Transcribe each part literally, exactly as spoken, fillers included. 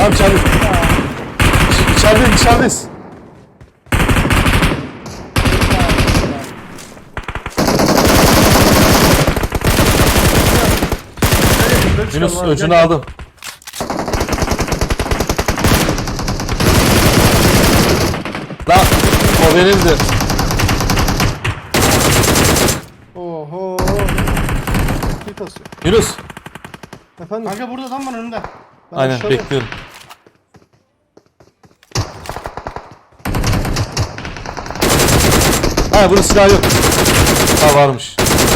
Tamam içeride. İçerideyiz içerideyiz. Yunus öcünü aldım. Lan o benimdi. Oho. Bir kasıyor. Yunus. Efendim? Kanka burada adam var önünde. Ben Aynen aşağıda- bekliyorum. Ha bunun silahı yok. Ha varmış.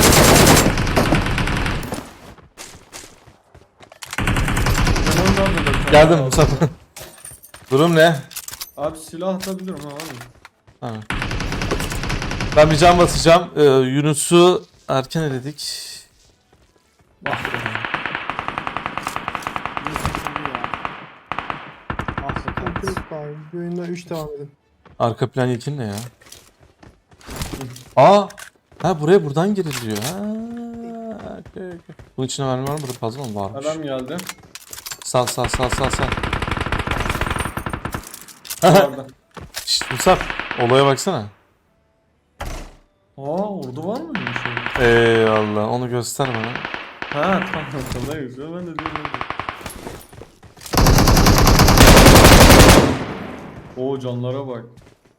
Ben ondan da bakıyorum. Geldim Mustafa. Durum ne? Abi silah atabilirim ha var mı? Ha. Ben bir can basacağım. Ee, Yunus'u erken eledik. Bak. Ah Sıkıntı sakat. yok abi. Bir oyunda üç devam edin. Arka plan ilkin ne ya? Aa! Ha buraya buradan giriliyor. Ha. Okay, okay. Bunun içine mermi var mı? Burada fazla mı varmış? Adam geldi. Sal sal sal sal sal. Orada. Şşt Musab. Olaya baksana. Aa orada var mı bir şey? Eyvallah onu göster bana. Ha tamam tamam ne güzel ben de diyorum. Oo canlara bak.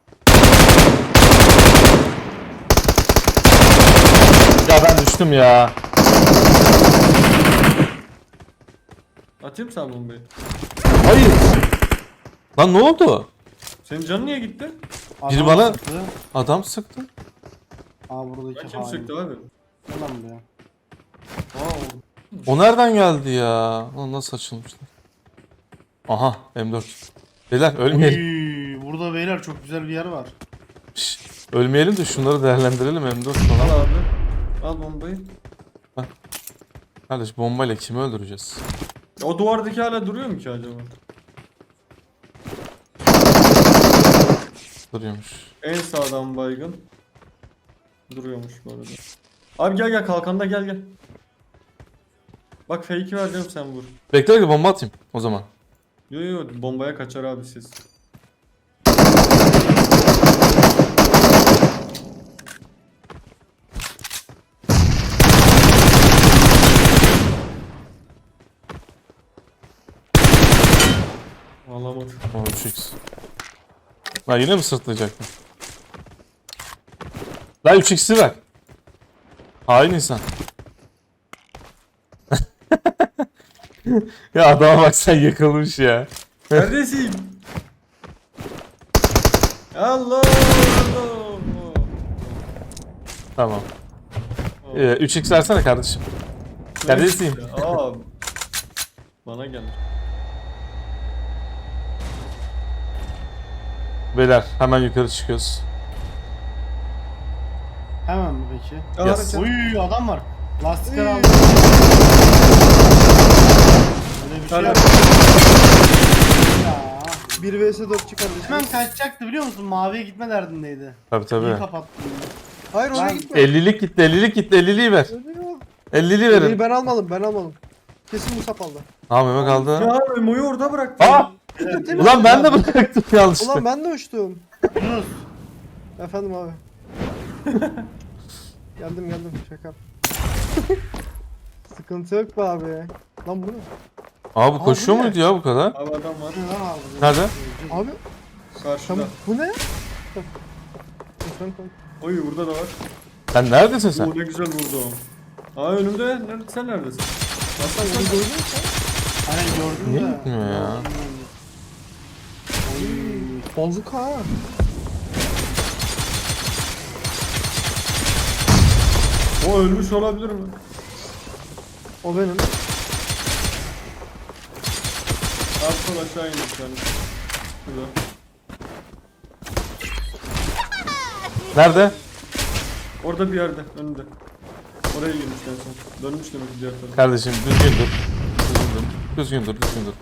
Ya ben düştüm ya. Atayım sen bombayı. Hayır. Lan ne oldu? Senin canın niye gitti? Biri Adam bana- sıktı. Adam sıktı. Aa buradaki Ben kim hain. sıktı abi? Gel lan buraya. Aa O nereden geldi ya? Lan nasıl açılmışlar? Aha M dört. Beyler ölmeyelim. Uy, burada beyler çok güzel bir yer var. Şşt, ölmeyelim de şunları değerlendirelim M dört al falan. abi. Al bombayı. Kardeş bombayla kimi öldüreceğiz? O duvardaki hala duruyor mu ki acaba? Duruyormuş. En sağdan baygın. Duruyormuş bu arada. Abi gel gel kalkanda gel gel. Bak fake'i vereceğim sen vur. Bekle bekle bomba atayım o zaman. Yo yo bombaya kaçar abi siz. Alamadım. O üç x. Lan yine mi sırtlayacaktın? Lan üç x'i ver. Hain insan. Ya adama bak sen yakılmış ya. Neredesin? Allah Allah. Tamam. Ee, üç x versene kardeşim. Neredesin? Aa. Bana gel. Beyler hemen yukarı çıkıyoruz. Hemen mi peki? Yes. Uy adam var. Lastikler Uy. aldı. Öyle bir şey Hala- yok. Ya. bir vs dört çıkar. Hemen kaçacaktı biliyor musun? Maviye gitme derdindeydi. Tabii İyi tabii. kapattım. Hayır oraya Ben- gitme. ellilik gitti, ellilik gitti, elliliği ver. Ölüyor. elliliği Elliyi verin. ben almadım ben almadım. Kesin Musab aldı. Tamam Mehmet kaldı. Ya Memo'yu orada bıraktım. Aa! Ulan ben de bıraktım yanlışlıkla. Ulan ben de uçtum. Yunus. Efendim abi. geldim geldim şaka. Sıkıntı yok be abi. Lan bu ne? Abi koşuyor bu ne? muydu ya bu kadar? Abi adam var. Ne lan aldı? Nerede? Abi Karşıda. sen bu ne? Lütfen koy. Oy burada da var. Sen neredesin sen? Oo ne güzel vurdu o. Aa önümde. Nerede, sen neredesin? Aslan Onu sen. gördün mü sen? Hani gördüm Niye de. gitmiyor ya? Bazuka ha. O ölmüş olabilir mi? O benim. Alt sol aşağı indik yani. Şurada. Nerede? Orada bir yerde önünde. Oraya girmiş en son. Dönmüş demek ki diğer tarafa. Kardeşim düzgün dur. Düzgün dur. Düzgün dur, düzgün dur.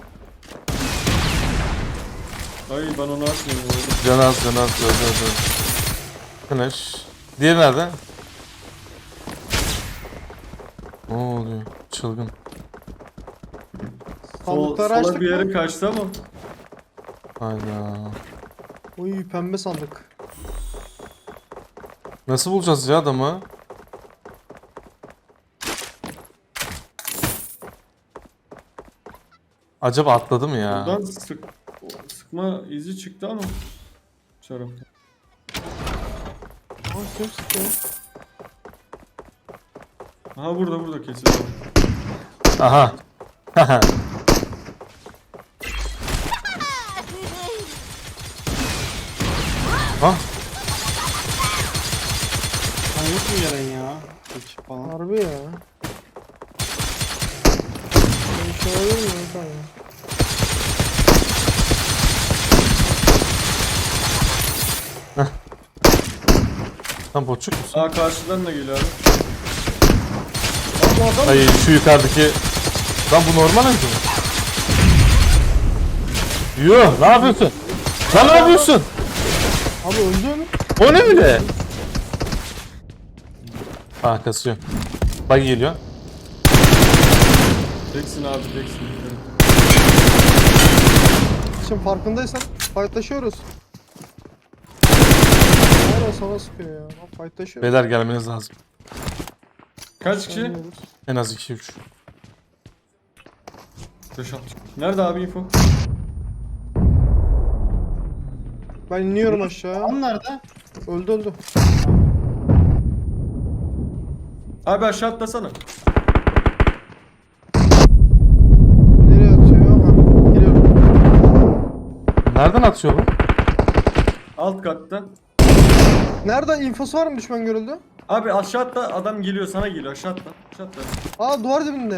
Ay ben onu atmıyorum. orada. Can az, can az, dur, dur, dur. Finish. Diğeri nerede? Ne oluyor? Çılgın. Sol, Sandıkları sola açtık bir yere mı? kaçtı ama. Hayda. Uy pembe sandık. Nasıl bulacağız ya adamı? Acaba atladı mı ya? Buradan sık, sıkma izi çıktı ama. Şarap. Aa kim sıkıyor? Aha burada burada kesin. Aha. Ah, Lan yok mu gelen ya? Hiç falan. Harbi ya. Ben şey alayım mı? Tamam. sen boçuk musun? Aa karşıdan da geliyor abi. Bu adam Ay şu yukarıdaki... Lan bu normal mi? Yuh, ne yapıyorsun? Lan ne yapıyorsun? abi öldü mü? O ne öyle? Ah, kasıyor. Bak geliyor. Teksin abi teksin. Şimdi farkındaysan fightlaşıyoruz. Hala sana sıkıyor ya. Lan fightlaşıyoruz. Beyler gelmeniz lazım. Kaç kişi? Oynuyoruz. En az iki üç. beş altı. Nerede abi info? Ben iniyorum aşağı. Adam nerede? Öldü öldü. Abi aşağı atlasana. Nereye atıyor? Ha, geliyorum. Nereden atıyor bu? Alt katta. Nerede infosu var mı düşman görüldü? Abi aşağı atla adam geliyor sana geliyor aşağı atla. Aşağı atla. Aa duvar dibinde.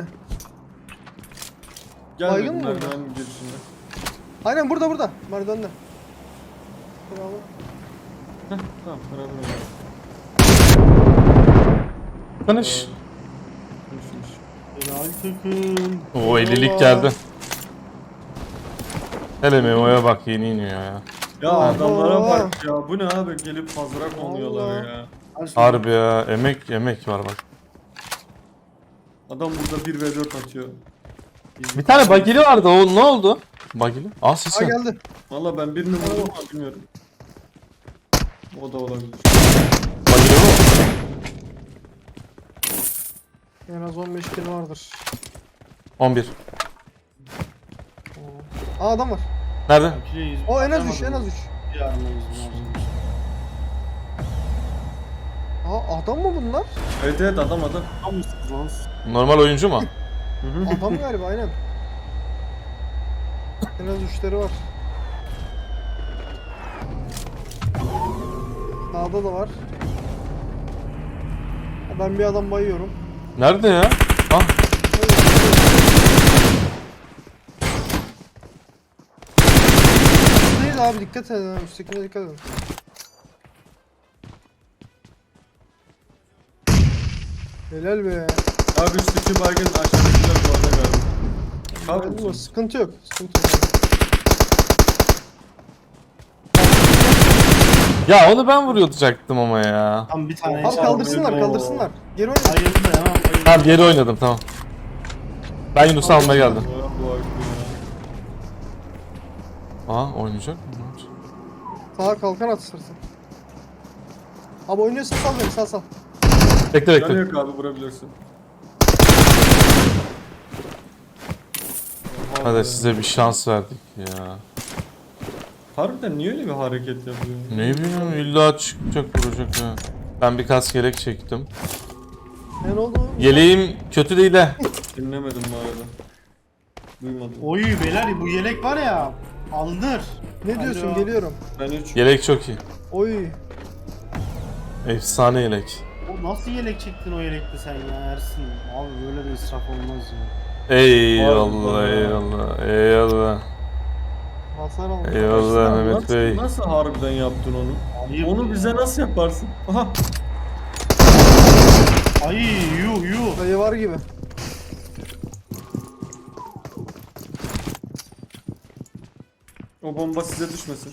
Baygın Gelmedim mı orada? merdivenin girişinde. Aynen burada burada. Merdivende. Bravo. Heh, tamam beraber oynayalım. Tanış. Konuşmuş. Helal takım. O ellilik geldi. Hele Memo'ya bak, yeni iniyor ya. Ya Allah. adamlara bak ya bu ne abi gelip fazla konuyorlar Allah. ya. Harbi ya, emek emek var bak. Adam burada bir ve dört atıyor. Bir tane bagili vardı, o ne oldu? Bagili? Aa Aa sesi. geldi. Valla ben birini vurdum ama bilmiyorum. O da olabilir. Bagili mi? En az on beş kill vardır. on bir. Aa adam var. Nerede? O en az üç en az üç. Aa adam mı bunlar? Evet evet adam adam. Normal oyuncu mu? Hı hı. Adam galiba aynen. En az üçleri var. Sağda da var. Ben bir adam bayıyorum. Nerede ya? Ah, Değil abi dikkat edin. ha, Üsttekine dikkat edin. Helal be. Abi üstteki baygın aşağıdakiler bu arada galiba. Kalk Geldi mi? mısın? Sıkıntı yok. Sıkıntı yok. ya onu ben vuracaktım ama ya. Tam bir tane. Abi kaldırsınlar kaldırsınlar. Geri oynayın. Bayıldı hemen bayıldı. Tamam, geri oynadım, tamam. Ben Yunus'u almaya geldim. Bu- bu baygın ya. Aa, oynayacak mı? Sağa kalkan at istersen. Abi oynuyorsan sal beni sal sal. Bekle Canı bekle. yok abi vurabilirsin. Oha be. Hadi size bir şans verdik ya. Harbiden niye öyle bir hareket yapıyor? Ne bileyim, illa çıkacak, vuracak ya. Ben birkaç yelek çektim. Ne oldu? Yeleğim kötü değil de. Dinlemedim bu arada. Duymadım. Oy beyler bu yelek var ya. Alınır. Ne diyorsun? Alo. Geliyorum. Ben üç. Yelek çok iyi. Oy. Efsane yelek. O nasıl yelek çektin o yelekte sen ya Ersin? Abi böyle bir israf olmaz ya. Eyvallah, Allah. eyvallah, eyvallah. Hasar aldım. Eyvallah Mehmet Nasıl, Bey. nasıl harbiden yaptın onu? Ayıp Onu ya. bize nasıl yaparsın? Aha. Ay yuh yuh. Dayı var gibi. O bomba size düşmesin.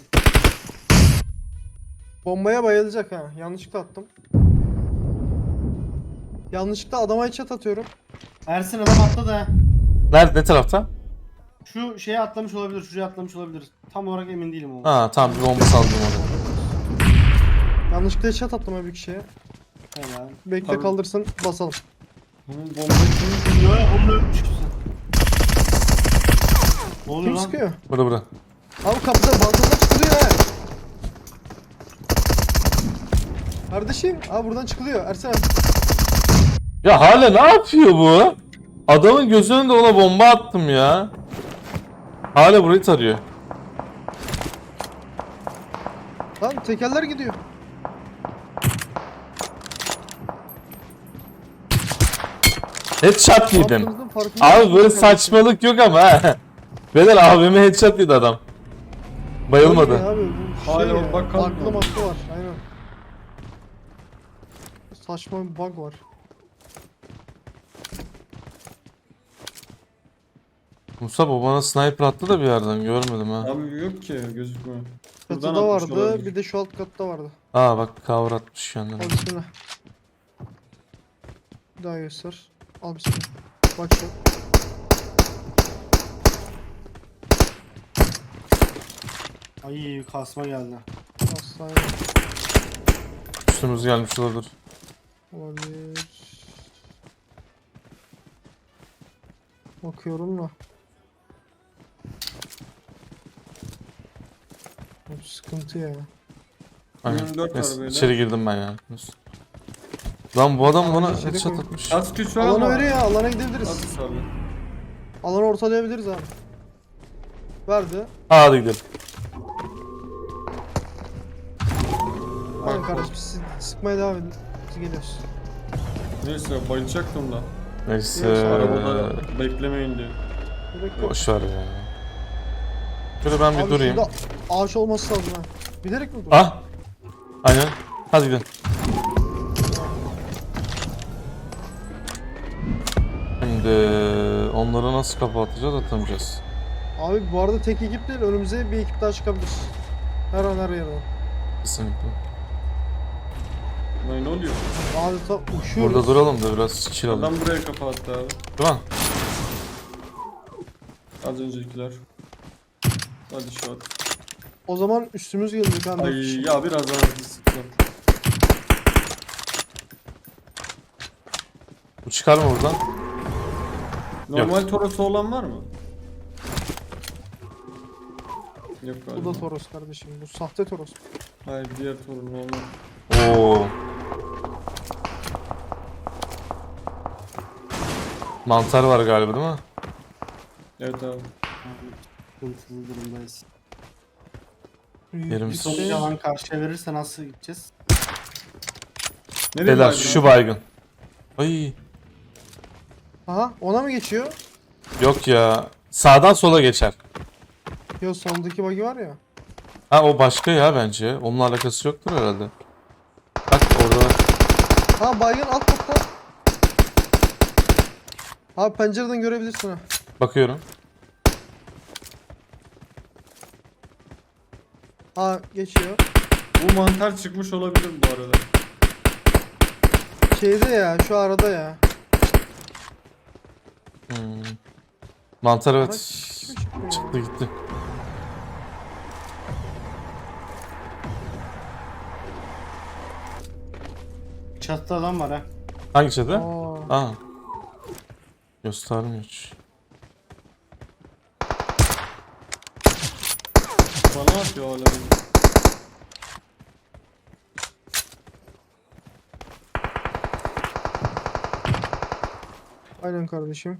Bombaya bayılacak ha. Yanlışlıkla attım. Yanlışlıkla adama headshot atıyorum. Ersin adam atladı ha. Nerede, ne tarafta? Şu şeye atlamış olabilir, şuraya atlamış olabilir. Tam olarak emin değilim ama. Ha tamam, bir bomba saldım oraya. Yanlışlıkla headshot attım abi bir kişiye. Helal. Bekle Abi- kaldırsın basalım. Bunun bombayı kim? Yok onu ölmüş kimse. Ne oluyor Kim lan? sıkıyor? Bura bura. Abi kapıda balkondan çıkılıyor ha. Kardeşim abi buradan çıkılıyor Ersen abi. Ya hala ne yapıyor bu? Adamın gözü önünde ona bomba attım ya. Hala burayı tarıyor. Lan tekerler gidiyor. Headshot yedim. Yaptığınızın farkında Abi mısınız böyle kardeşim? saçmalık yok ama ha. Beyler abime headshot yedi adam. Bayılmadı. Öyle Abi, bu şey Hala ya, bakalım aklı mı? maklı var aynen. Saçma bir bug var. Musa bu bana sniper attı da bir yerden görmedim ha. Abi yok ki gözükmüyor. Buradan Çatıda atmış vardı olabilir. bir de şu alt katta vardı. Aa bak cover atmış kendine. Al bismillah. Bir daha göster. Al bismillah. Bak şu. Ay kasma geldi. Hastane Üstümüz gelmiş olabilir. olabilir. Bakıyorum da. Bu sıkıntı ya. Aynen. yirmi dört var Neyse, böyle. içeri girdim ben ya. Lan bu adam bana içeri headshot koy. atmış. Az güç var Alana ama. veriyor ya alana gidebiliriz. At abi. Alanı ortalayabiliriz abi. Verdi. Aa, hadi gidelim. Aynen Bak, kardeşim siz sıkmaya devam edin. Biz geliyoruz. Neyse bayılacaktım da. Neyse. Yok, Arabada beklemeyin diye. Gerek yok. Boş ver ya. Şöyle ben bir Abi durayım. şurada ağaç olması lazım ha. Bilerek mi durdun? Ah. Aynen. Hadi gidelim. Şimdi onları nasıl kapatacağız, atamayacağız. Abi bu arada tek ekip değil önümüze bir ekip daha çıkabilir. Her an her yerden. Kesinlikle. Lan ne oluyor? Adeta uçuyoruz. Burada duralım da biraz chill alalım. Adam buraya kapattı abi. Değil mi? Az öncekiler. Hadi şu at. O zaman üstümüz gelecek ha. dört kişi. Ay ya biraz daha hızlı sıktım. Bu çıkar mı buradan? Normal Toros'u olan var mı? Yok galiba. Bu da Toros kardeşim. Bu sahte Toros. Hayır diğer Torun normal. Oo. Mantar var galiba değil mi? Evet abi. Sıkıntılı durumdayız. Yerim Bir Işte- sonuç alan karşıya verirse nasıl gideceğiz? Nereye Beyler baydın şu abi? baygın. Ay. Aha ona mı geçiyor? Yok ya. Sağdan sola geçer. Yo sondaki bug'i var ya. Ha o başka ya bence. Onunla alakası yoktur herhalde. Bak orada var. Ha baygın alt katta. Abi pencereden görebilirsin ha. Bakıyorum. Ha geçiyor. Bu mantar çıkmış olabilir bu arada. Şeyde ya şu arada ya. Hmm. Mantar evet. Araç kim çıkıyor ya? Çıktı gitti. Çatıda adam var ha. Hangi çadır? Aa. Aa. Göstermiyor hiç. Bana atıyor hala. Aynen kardeşim.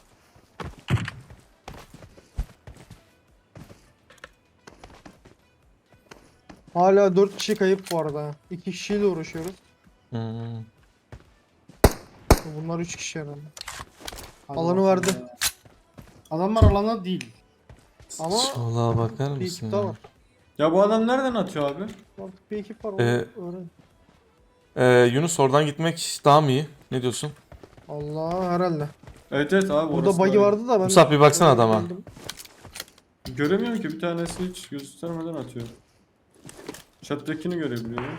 Hala dört kişi kayıp bu arada. iki kişiyle uğraşıyoruz. Hmm. Bunlar üç kişi herhalde. Hadi Alanı bakalım verdi. ya. Adamlar alana değil. Ama Sola bakar bir mısın? ekip daha ya? var. Ya bu adam nereden atıyor abi? Artık bir ekip var. onu Ee, öğren. Ee, Yunus oradan gitmek daha mı iyi? Ne diyorsun? Allah herhalde. Evet evet abi Burada orası bug'i da öyle. vardı da ben... Musab bir baksana adama. Bildim. Göremiyorum ki bir tanesi hiç göstermeden atıyor. Çatıdakini görebiliyorum.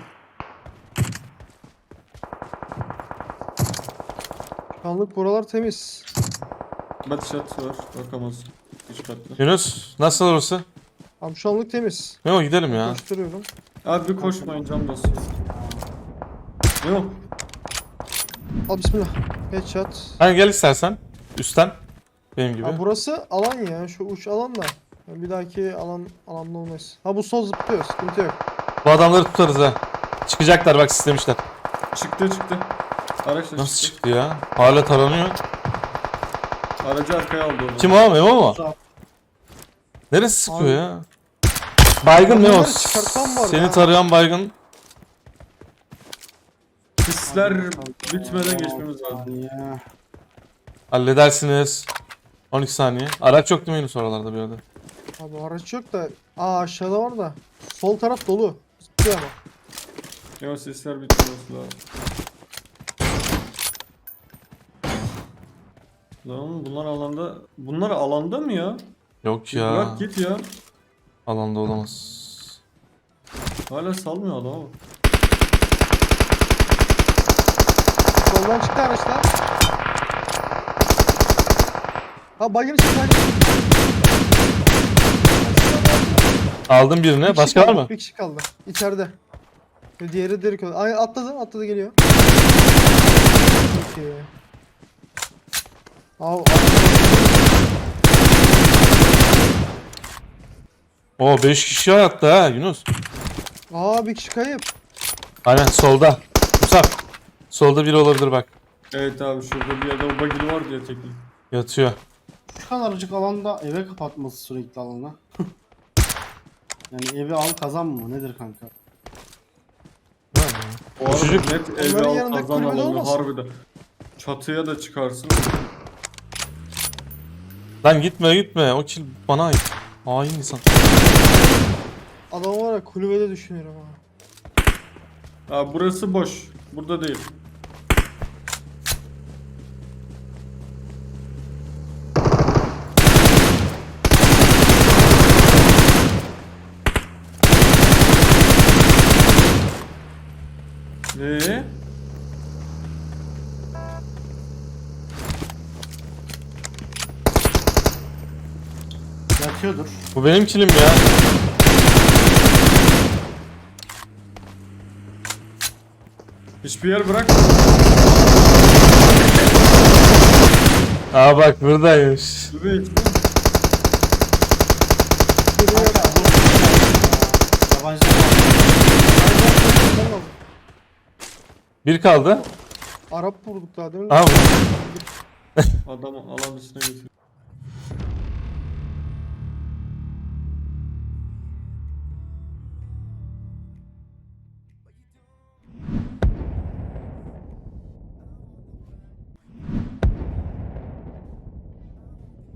Şu anlık buralar temiz. Bat çatı var bakamazsın. Üç katlı. Yunus nasıl orası? Abi şu anlık temiz. Memo gidelim ya. Koşturuyorum. Abi bir koşmayın cam basıyor. Yok. Al bismillah. Headshot. Hani gel istersen. Üstten. Benim gibi. Ha burası alan ya. Şu uç alan da. Yani bir dahaki alan alanda olmaz. Ha bu sol zıplıyor. Sıkıntı yok. Bu adamları tutarız ha. Çıkacaklar bak sistemişler. Çıktı çıktı. Araç da Nasıl çıktı. çıktı ya? Hala taranıyor. Aracı arkaya aldı onu. Kim o? Memo mu? Uzak. Neresi sıkıyor Abi. ya? Baygın Memo. Bunları çıkartmam var Seni ya. tarayan baygın. Hisler bitmeden geçmemiz lazım. Ya. Halledersiniz. on iki saniye. Araç yok değil mi Yunus oralarda bir yerde? Abi araç yok da. Aa aşağıda var da. Sol taraf dolu. Zıplıyor ama. Yok sesler bitmemesi lazım. Lan bunlar alanda... Bunlar alanda mı ya? Yok ya. Bırak git ya. Alanda olamaz. Hala salmıyor adamı. Soldan çıktı araçlar. Ha bagin için bagin. Aldım birini. Başka var mı? Bir kişi kaldı. İçeride. Ve diğeri direkt öldü. Ay atladı, atladı geliyor. Peki. Al, al. Oo beş kişi hayatta ha Yunus. Aa bir kişi kayıp. Aynen solda. Musab. Solda biri olabilir bak. Evet abi şurada bir yerde o bagili var diye teknik. Yatıyor. Şu kadarcık alanda eve kapatması sürekli alana. Yani evi al kazan mı? Nedir kanka? O arada Çocuk- net Onların evde al yanında kazan kulübede alanı olmasın? harbiden. Çatıya da çıkarsın. Lan gitme gitme. O kill bana ait. Hain insan. Adam var ya kulübede düşünüyorum ha. Abi burası boş. Burada değil. Ne? Yatıyordur. Bu benim killim ya. Hiçbir yer bırak. Aa bak buradaymış. Evet. Geliyor. Kanka bu yabancılar var. Tamam. Bir kaldı. Arap vurduk daha değil mi? Aha bu. Adamı alan dışına götür.